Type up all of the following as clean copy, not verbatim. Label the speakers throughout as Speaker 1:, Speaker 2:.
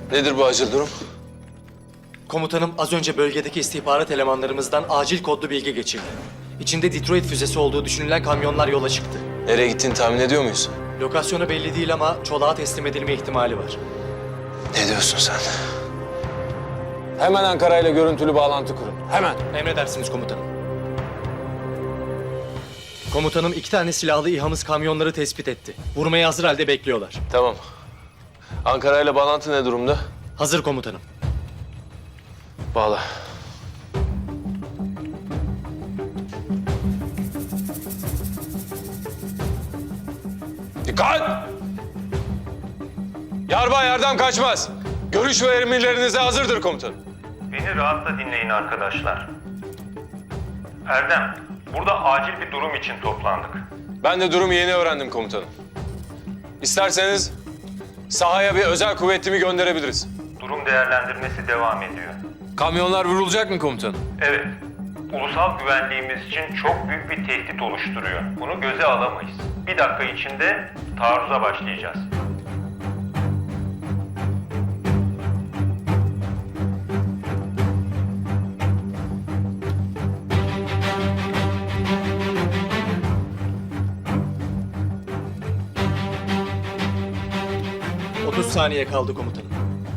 Speaker 1: Nedir bu acil durum?
Speaker 2: Komutanım az önce bölgedeki istihbarat elemanlarımızdan acil kodlu bilgi geçildi. İçinde Detroit füzesi olduğu düşünülen kamyonlar yola çıktı.
Speaker 1: Nereye gittiğini tahmin ediyor muyuz?
Speaker 2: Lokasyonu belli değil ama Çolak'a teslim edilme ihtimali var.
Speaker 1: Ne diyorsun sen? Hemen Ankara ile görüntülü bağlantı kurun. Hemen.
Speaker 2: Emredersiniz komutanım. Komutanım 2 tane silahlı İHA'mız kamyonları tespit etti. Vurmaya hazır halde bekliyorlar.
Speaker 1: Tamam. Ankara ile bağlantı ne durumda?
Speaker 2: Hazır komutanım.
Speaker 1: Bağla. Dikkat! Yarbay Erdem kaçmaz. Görüş ve emirlerinize hazırdır komutanım.
Speaker 3: Beni rahatla dinleyin arkadaşlar. Erdem, burada acil bir durum için toplandık.
Speaker 1: Ben de durumu yeni öğrendim komutanım. İsterseniz sahaya bir özel kuvvetimi gönderebiliriz.
Speaker 3: Durum değerlendirmesi devam ediyor.
Speaker 1: Kamyonlar vurulacak mı komutanım?
Speaker 3: Evet, ulusal güvenliğimiz için çok büyük bir tehdit oluşturuyor. Bunu göze alamayız. Bir dakika içinde taarruza başlayacağız.
Speaker 2: Hı. 30 saniye kaldı komutanım.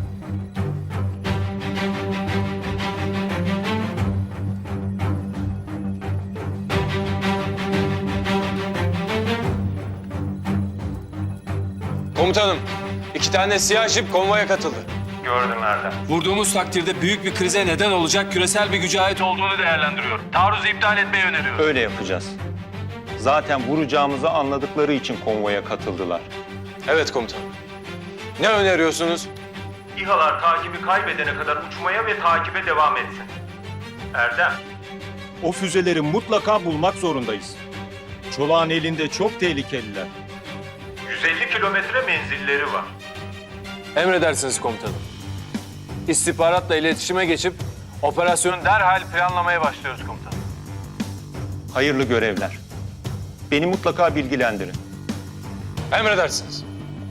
Speaker 1: Komutanım, 2 tane siyah jip konvoya katıldı.
Speaker 3: Gördüm Erdem.
Speaker 4: Vurduğumuz takdirde büyük bir krize neden olacak küresel bir güce ait olduğunu değerlendiriyorum. Taarruzu iptal etmeyi öneriyorum.
Speaker 5: Öyle yapacağız. Zaten vuracağımızı anladıkları için konvoya katıldılar.
Speaker 1: Evet komutanım. Ne öneriyorsunuz?
Speaker 3: İHA'lar takibi kaybedene kadar uçmaya ve takibe devam etsin. Erdem,
Speaker 5: O füzeleri mutlaka bulmak zorundayız. Çolak'ın elinde çok tehlikeliler.
Speaker 3: 150 kilometre menzilleri var.
Speaker 1: Emredersiniz komutanım. İstihbaratla iletişime geçip operasyonu derhal planlamaya başlıyoruz komutanım.
Speaker 5: Hayırlı görevler. Beni mutlaka bilgilendirin.
Speaker 1: Emredersiniz.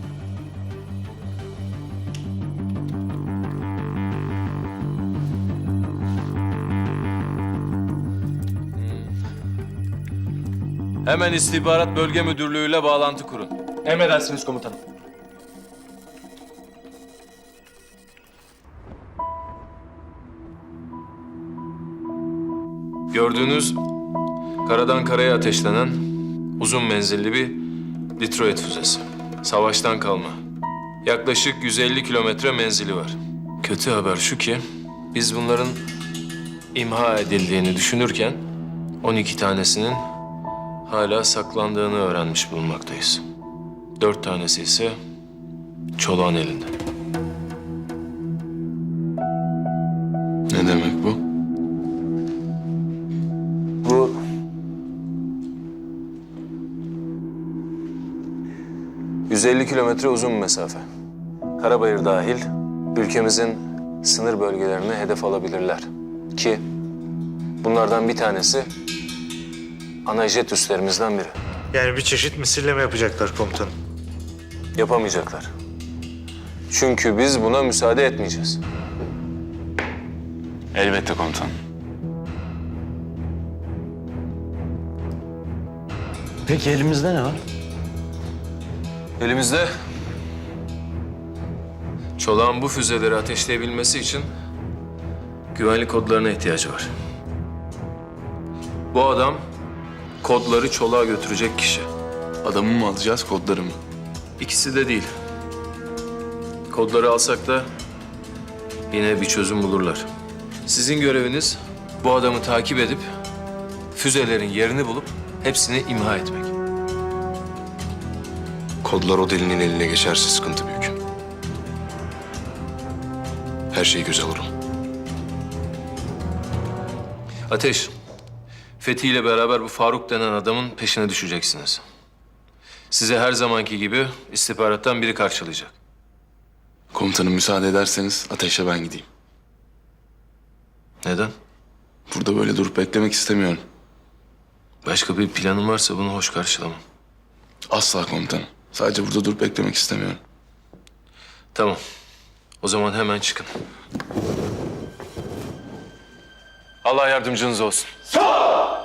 Speaker 1: Hemen istihbarat bölge müdürlüğüyle bağlantı kurun.
Speaker 2: Emredersiniz komutanım.
Speaker 1: Gördüğünüz karadan karaya ateşlenen uzun menzilli bir Detroit füzesi. Savaştan kalma. Yaklaşık 150 kilometre menzili var. Kötü haber şu ki biz bunların imha edildiğini düşünürken 12 tanesinin hala saklandığını öğrenmiş bulunmaktayız. 4 tanesi ise Çolak'ın elinde. Ne demek bu? Bu... ...150 kilometre uzun bir mesafe. Karabayır dahil ülkemizin sınır bölgelerine hedef alabilirler. Ki bunlardan bir tanesi ana jet üslerimizden biri.
Speaker 6: Yani bir çeşit misilleme yapacaklar komutanım.
Speaker 1: Yapamayacaklar. Çünkü biz buna müsaade etmeyeceğiz.
Speaker 4: Elbette komutanım.
Speaker 6: Peki elimizde ne var?
Speaker 1: Elimizde Çolak'ın bu füzeleri ateşleyebilmesi için güvenlik kodlarına ihtiyacı var. Bu adam kodları Çolak'a götürecek kişi.
Speaker 7: Adamı mı alacağız, kodları mı?
Speaker 1: İkisi de değil. Kodları alsak da yine bir çözüm bulurlar. Sizin göreviniz bu adamı takip edip füzelerin yerini bulup hepsini imha etmek.
Speaker 7: Kodlar o delinin eline geçerse sıkıntı büyük. Her şeyi göze alırım.
Speaker 1: Ateş, Fethi ile beraber bu Faruk denen adamın peşine düşeceksiniz. Size her zamanki gibi istihbarattan biri karşılayacak.
Speaker 7: Komutanım müsaade ederseniz Ateş'e ben gideyim.
Speaker 1: Neden?
Speaker 7: Burada böyle durup beklemek istemiyorum.
Speaker 1: Başka bir planın varsa bunu hoş karşılamam.
Speaker 7: Asla komutanım. Sadece burada durup beklemek istemiyorum.
Speaker 1: Tamam. O zaman hemen çıkın. Allah yardımcınız olsun.